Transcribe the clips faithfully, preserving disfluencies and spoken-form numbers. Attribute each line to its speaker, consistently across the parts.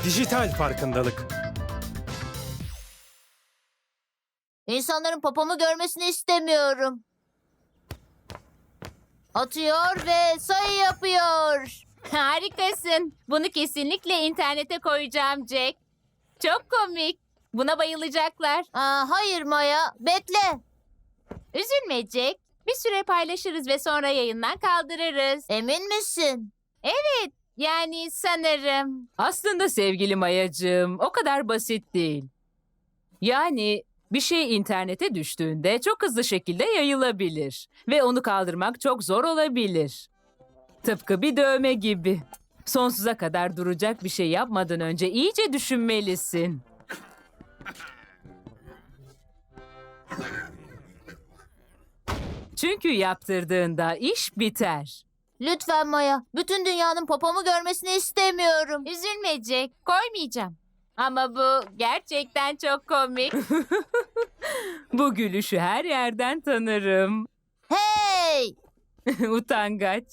Speaker 1: Dijital farkındalık.
Speaker 2: İnsanların popomu görmesini istemiyorum. Atıyor ve sayı yapıyor.
Speaker 3: Harikasın. Bunu kesinlikle internete koyacağım Jack. Çok komik. Buna bayılacaklar.
Speaker 2: Aa, hayır Maya, bekle.
Speaker 3: Üzülme Jack. Bir süre paylaşırız ve sonra yayından kaldırırız.
Speaker 2: Emin misin?
Speaker 3: Yani sanırım.
Speaker 4: Aslında sevgili Mayacığım, o kadar basit değil. Yani bir şey internete düştüğünde çok hızlı şekilde yayılabilir ve onu kaldırmak çok zor olabilir. Tıpkı bir dövme gibi. Sonsuza kadar duracak bir şey yapmadan önce iyice düşünmelisin. Çünkü yaptırdığında iş biter.
Speaker 2: Lütfen Maya, bütün dünyanın popomu görmesini istemiyorum.
Speaker 3: Üzülme Jack. Koymayacağım. Ama bu gerçekten çok komik.
Speaker 4: Bu gülüşü her yerden tanırım.
Speaker 2: Hey!
Speaker 4: Utangaç.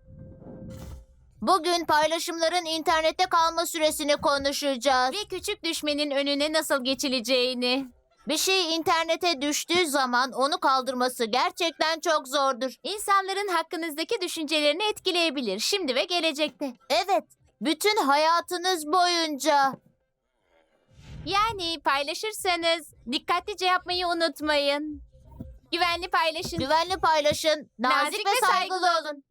Speaker 2: Bugün paylaşımların internette kalma süresini konuşacağız.
Speaker 3: Bir küçük düşmenin önüne nasıl geçileceğini.
Speaker 2: Bir şey internete düştüğü zaman onu kaldırması gerçekten çok zordur.
Speaker 3: İnsanların hakkınızdaki düşüncelerini etkileyebilir şimdi ve gelecekte.
Speaker 2: Evet, bütün hayatınız boyunca.
Speaker 3: Yani paylaşırsanız dikkatlice yapmayı unutmayın. Güvenli paylaşın.
Speaker 2: Güvenli paylaşın, nazik,
Speaker 3: Nazik
Speaker 2: ve
Speaker 3: ve
Speaker 2: saygılı
Speaker 3: saygılı
Speaker 2: olun.